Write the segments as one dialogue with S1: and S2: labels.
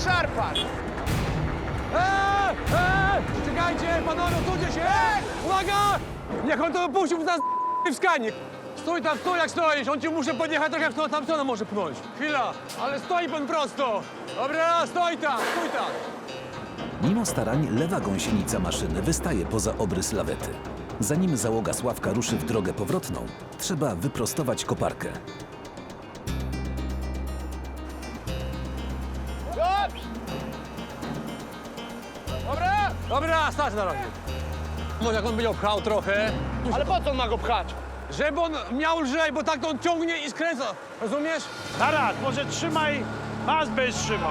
S1: szarpać!
S2: Czekajcie, panowie, odsuńcie się! Uwaga! Niech on to puścił nas w skanik. Stój tam, stój jak stoisz, on ci muszę podjechać trochę w tą tam stronę może pchnąć. Chwila, ale stoi pan prosto. Dobra, stoi tam, stój tam.
S3: Mimo starań lewa gąsienica maszyny wystaje poza obrys lawety. Zanim załoga Sławka ruszy w drogę powrotną, trzeba wyprostować koparkę.
S1: Dobrze! Dobra!
S2: Dobra, stać na razie. Może jak on będzie pchał trochę,
S1: Ale po co on ma go pchać?
S2: żeby on miał lżej, bo tak to on ciągnie i skręca. Rozumiesz?
S4: Taras, może trzymaj, pas byś trzymał.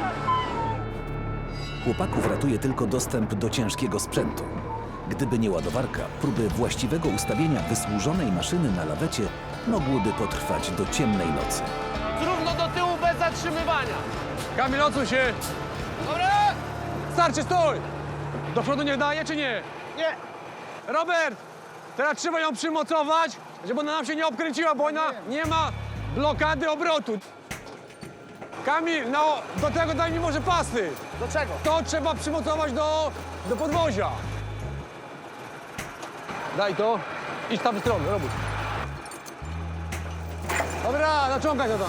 S3: Chłopaków ratuje tylko dostęp do ciężkiego sprzętu. Gdyby nie ładowarka, próby właściwego ustawienia wysłużonej maszyny na lawecie mogłyby potrwać do ciemnej nocy.
S1: Równo do tyłu bez zatrzymywania.
S2: Kamil, odsuń się.
S1: Dobra!
S2: Starczy, stój. Do przodu niech daje, czy nie?
S1: Nie!
S2: Robert, teraz trzeba ją przymocować, żeby ona nam się nie obkręciła, bo ona nie ma blokady obrotu. Kamil, no, do tego daj mi może pasy.
S1: Do czego?
S2: To trzeba przymocować do podwozia. Daj to. Idź tam w stronę, Robert. Dobra, naciągaj to tam.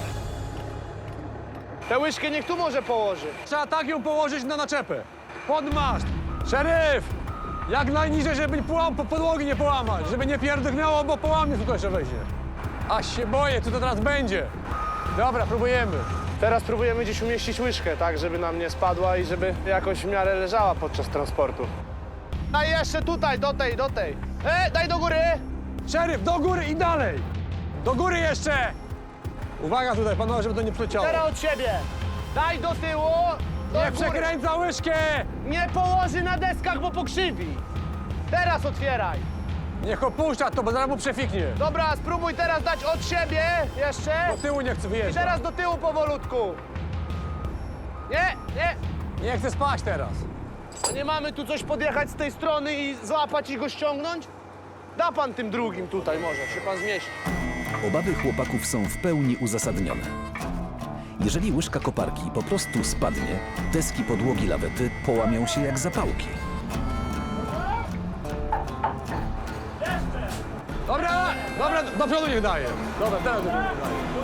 S1: Tę łyżkę niech tu może położy.
S2: Trzeba tak ją położyć na naczepę. Pod maszt. Szeryf! Jak najniżej, żeby podłogi nie połamać, żeby nie pierdolnęło, bo połamie tylko jeszcze wejdzie. Aż się boję, co to teraz będzie. Dobra, próbujemy.
S1: Teraz próbujemy gdzieś umieścić łyżkę, tak, żeby nam nie spadła i żeby jakoś w miarę leżała podczas transportu. A jeszcze tutaj, do tej. Daj do góry!
S2: Szeryf, do góry i dalej. Do góry jeszcze. Uwaga tutaj, panowie, żeby to nie przeciało.
S1: Teraz od siebie. Daj do tyłu, do
S2: Nie
S1: góry.
S2: przekręca łyżkę.
S1: Nie położy na deskach, bo pokrzywi. Teraz otwieraj.
S2: Niech opuszcza to, bo zaraz mu przefiknie.
S1: Dobra, spróbuj teraz dać od siebie jeszcze.
S2: Do tyłu nie chce
S1: I
S2: wyjeżdżać.
S1: teraz do tyłu powolutku. Nie.
S2: Nie chce spać teraz.
S1: A nie mamy tu coś podjechać z tej strony i złapać i go ściągnąć? Da pan tym drugim tutaj może, się pan zmieści.
S3: Obawy chłopaków są w pełni uzasadnione. Jeżeli łyżka koparki po prostu spadnie, deski podłogi lawety połamią się jak zapałki.
S2: Dobra, do przodu niech daje. Dobra, teraz do przodu niech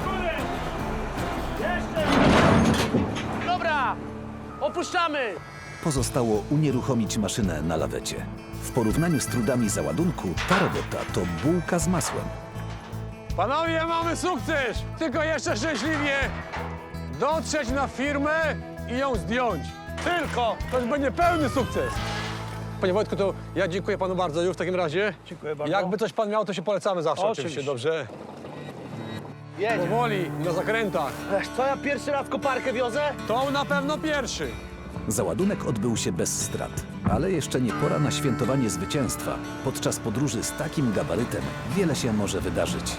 S2: daje.
S1: Dobra, opuszczamy.
S3: Pozostało unieruchomić maszynę na lawecie. W porównaniu z trudami załadunku, ta robota to bułka z masłem.
S2: Panowie, mamy sukces! Tylko jeszcze szczęśliwie dotrzeć na firmę i ją zdjąć. Tylko! To już będzie pełny sukces. Panie Wojtku, to ja dziękuję panu bardzo już w takim razie.
S4: Dziękuję bardzo.
S2: Jakby coś pan miał, to się polecamy zawsze
S4: Oczywiście.
S2: oczywiście, dobrze?
S1: Jedzie.
S2: Powoli, na zakrętach.
S1: Wiesz co, ja pierwszy raz koparkę wiozę?
S2: To na pewno pierwszy.
S3: Załadunek odbył się bez strat, ale jeszcze nie pora na świętowanie zwycięstwa. Podczas podróży z takim gabarytem wiele się może wydarzyć.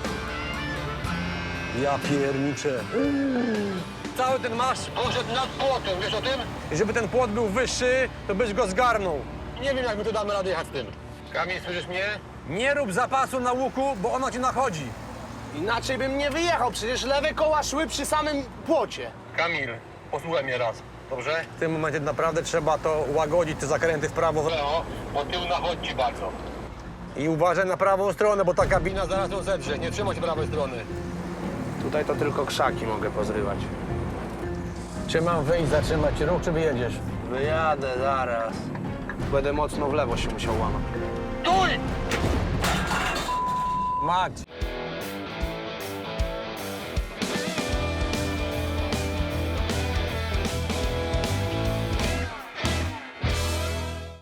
S2: Ja pierniczę. Cały ten masz poszedł nad płotem, wiesz o tym? I żeby ten płot był wyższy, to byś go zgarnął. Nie wiem, jak my tu damy radę jechać z tym.
S5: Kamil, słyszysz mnie?
S2: Nie rób zapasu na łuku, bo ono ci nachodzi.
S1: Inaczej bym nie wyjechał, przecież lewe koła szły przy samym płocie.
S5: Kamil, posłuchaj mnie raz, dobrze?
S2: W tym momencie naprawdę trzeba to łagodzić, te zakręty w prawo.
S5: Leo, bo tył nachodzi bardzo.
S2: I uważaj na prawą stronę, bo ta kabina zaraz ją zedrze. Nie trzymaj się prawej strony.
S1: Tutaj to tylko krzaki mogę pozrywać.
S2: Czy mam wyjść, zatrzymać ruch, czy wyjedziesz?
S1: Wyjadę zaraz. Będę mocno w lewo się musiał łamać.
S5: Stój!
S2: Max.